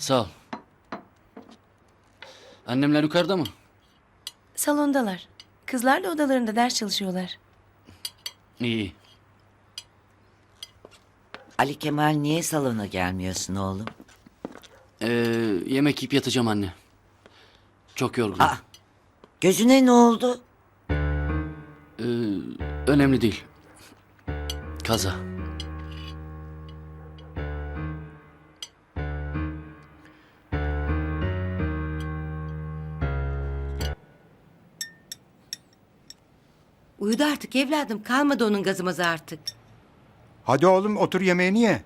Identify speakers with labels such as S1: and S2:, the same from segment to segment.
S1: Sağ ol. Annemler yukarıda mı?
S2: Salondalar. Kızlarla odalarında ders çalışıyorlar.
S1: İyi.
S3: Ali Kemal niye salona gelmiyorsun oğlum?
S1: Yemek yiyip yatacağım anne. Çok yorgunum.
S3: Aa, gözüne ne oldu?
S1: Önemli değil. Kaza.
S4: Uyudu artık evladım. Kalmadı onun gazımızı artık.
S5: Hadi oğlum otur yemeğini ye.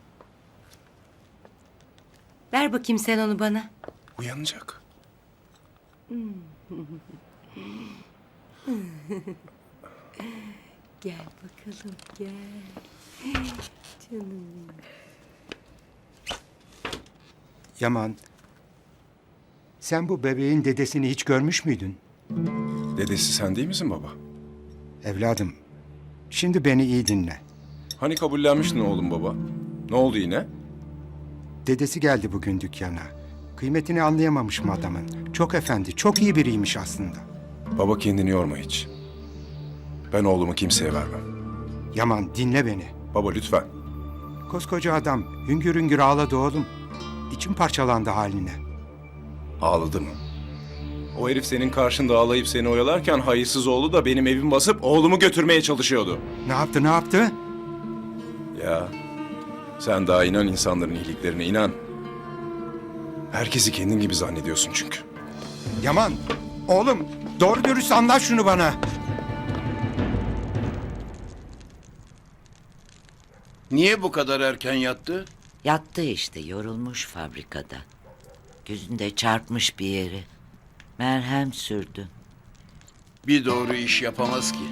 S4: Ver bakayım sen onu bana.
S6: Uyanacak.
S4: Gel bakalım gel. Canım.
S5: Yaman, sen bu bebeğin dedesini hiç görmüş müydün?
S6: Dedesi sen değil misin baba?
S5: Evladım, şimdi beni iyi dinle.
S6: Hani kabullenmiştin oğlum baba? Ne oldu yine?
S5: Dedesi geldi bugün dükkana. Kıymetini anlayamamışım adamın. Çok efendi, çok iyi biriymiş aslında.
S6: Baba kendini yorma hiç. Ben oğlumu kimseye vermem.
S5: Yaman dinle beni.
S6: Baba lütfen.
S5: Koskoca adam hüngür hüngür ağladı oğlum. İçim parçalandı haline.
S6: Ağladı mı? O herif senin karşında ağlayıp seni oyalarken hayırsız oğlu da benim evimi basıp oğlumu götürmeye çalışıyordu.
S5: Ne yaptı, ne yaptı?
S6: Ya sen daha inan insanların iyiliklerine inan. Herkesi kendin gibi zannediyorsun çünkü.
S5: Yaman, oğlum doğru dürüst anlat şunu bana.
S7: Niye bu kadar erken yattı?
S3: Yattı işte, yorulmuş fabrikada. Gözünde çarpmış bir yeri. Merhem sürdün.
S7: Bir doğru iş yapamaz ki.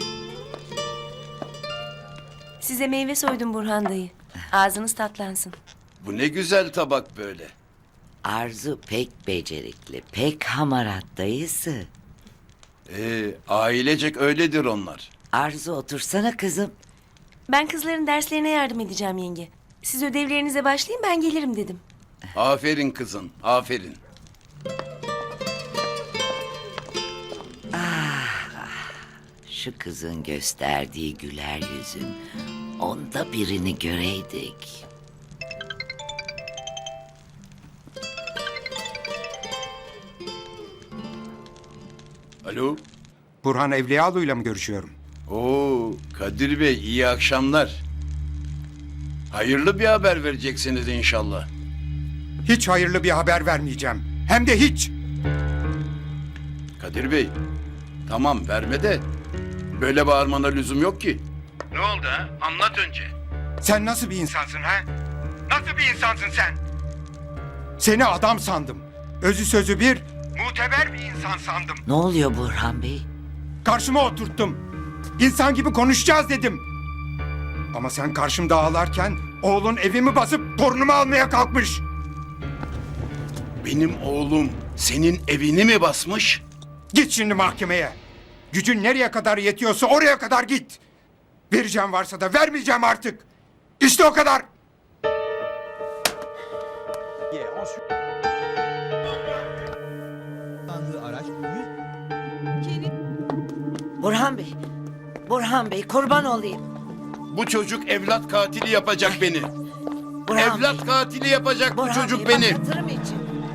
S2: Size meyve soydum Burhan dayı. Ağzınız tatlansın.
S7: Bu ne güzel tabak böyle.
S3: Arzu pek becerikli, pek hamarat dayısı.
S7: Ailecek öyledir onlar.
S3: Arzu otursana kızım.
S2: Ben kızların derslerine yardım edeceğim yenge. Siz ödevlerinize başlayın, ben gelirim dedim.
S7: Aferin kızın, aferin.
S3: Şu kızın gösterdiği güler yüzün, onda birini göreydik.
S7: Alo?
S5: Burhan Evliyalı'yla mı görüşüyorum?
S7: Oo, Kadir Bey iyi akşamlar. Hayırlı bir haber vereceksiniz inşallah.
S5: Hiç hayırlı bir haber vermeyeceğim. Hem de hiç.
S7: Kadir Bey, tamam verme de böyle bağırmana lüzum yok ki. Ne oldu ha? Anlat önce.
S5: Sen nasıl bir insansın ha? Nasıl bir insansın sen? Seni adam sandım. Özü sözü bir, muteber bir insan sandım.
S3: Ne oluyor Burhan Bey?
S5: Karşıma oturttum. İnsan gibi konuşacağız dedim. Ama sen karşımda ağlarken oğlun evimi basıp torunumu almaya kalkmış.
S7: Benim oğlum senin evini mi basmış?
S5: Git şimdi mahkemeye. Gücün nereye kadar yetiyorsa oraya kadar git. Vereceğim varsa da vermeyeceğim artık. İşte o kadar.
S3: Burhan Bey, Burhan Bey kurban olayım.
S7: Bu çocuk evlat katili yapacak beni.
S3: Burhan
S7: Evlat
S3: Bey,
S7: katili yapacak bu
S3: Burhan
S7: çocuk
S3: Bey,
S7: beni.
S3: bak hatırım için.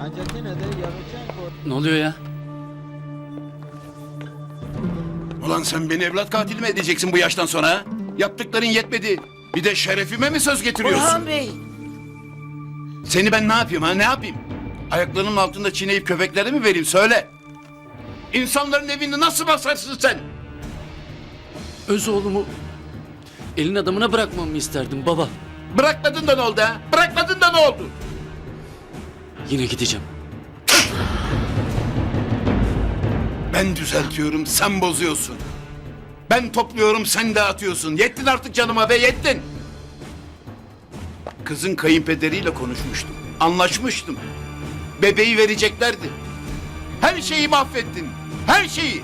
S1: Ne oluyor ya?
S7: Ulan sen beni evlat katili mi edeceksin bu yaştan sonra ha? Yaptıkların yetmedi. Bir de şerefime mi söz getiriyorsun?
S3: Burhan Bey,
S7: Seni ben ne yapayım ha, ne yapayım? Ayaklarının altında çiğneyip köpeklere mi vereyim söyle. İnsanların evini nasıl basarsın sen?
S1: Öz oğlumu elin adamına bırakmamı isterdim baba.
S7: Bırakmadın da ne oldu ha? Bırakmadın da ne oldu?
S1: Yine gideceğim.
S7: Ben düzeltiyorum, sen bozuyorsun. Ben topluyorum, sen dağıtıyorsun. Yettin artık canıma be, yettin. Kızın kayınpederiyle konuşmuştum. Anlaşmıştım. Bebeği vereceklerdi. Her şeyi mahvettin. Her şeyi.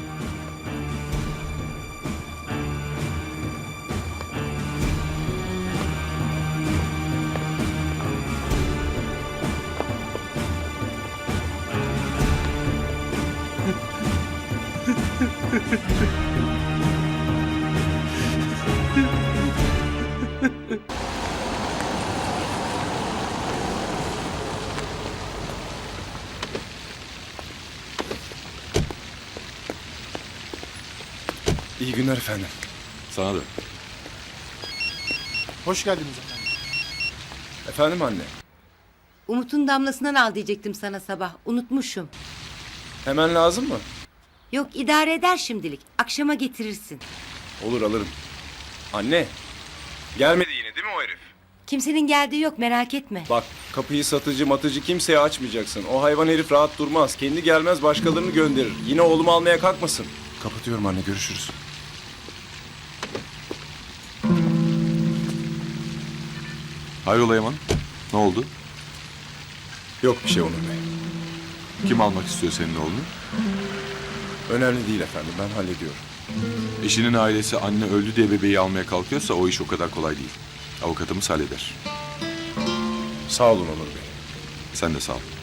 S6: İyi günler efendim.
S8: Sana da.
S9: Hoş geldiniz efendim.
S6: Efendim anne.
S4: Umut'un damlasından al diyecektim sana sabah. Unutmuşum.
S6: Hemen lazım mı?
S4: Yok idare eder şimdilik. Akşama getirirsin.
S6: Olur alırım. Anne. Gelmedi yine değil mi o herif?
S4: Kimsenin geldiği yok merak etme.
S6: Bak kapıyı satıcı matıcı kimseye açmayacaksın. O hayvan herif rahat durmaz. Kendi gelmez başkalarını gönderir. Yine oğlumu almaya kalkmasın. Kapatıyorum anne görüşürüz.
S8: Hayrola Yaman? Ne oldu?
S6: Yok bir şey Onur Bey.
S8: Kim almak istiyor senin oğlunu?
S6: Önemli değil efendim ben hallediyorum.
S8: Eşinin ailesi anne öldü diye bebeği almaya kalkıyorsa o iş o kadar kolay değil. Avukatımız halleder.
S6: Sağ olun Onur Bey.
S8: Sen de sağ ol.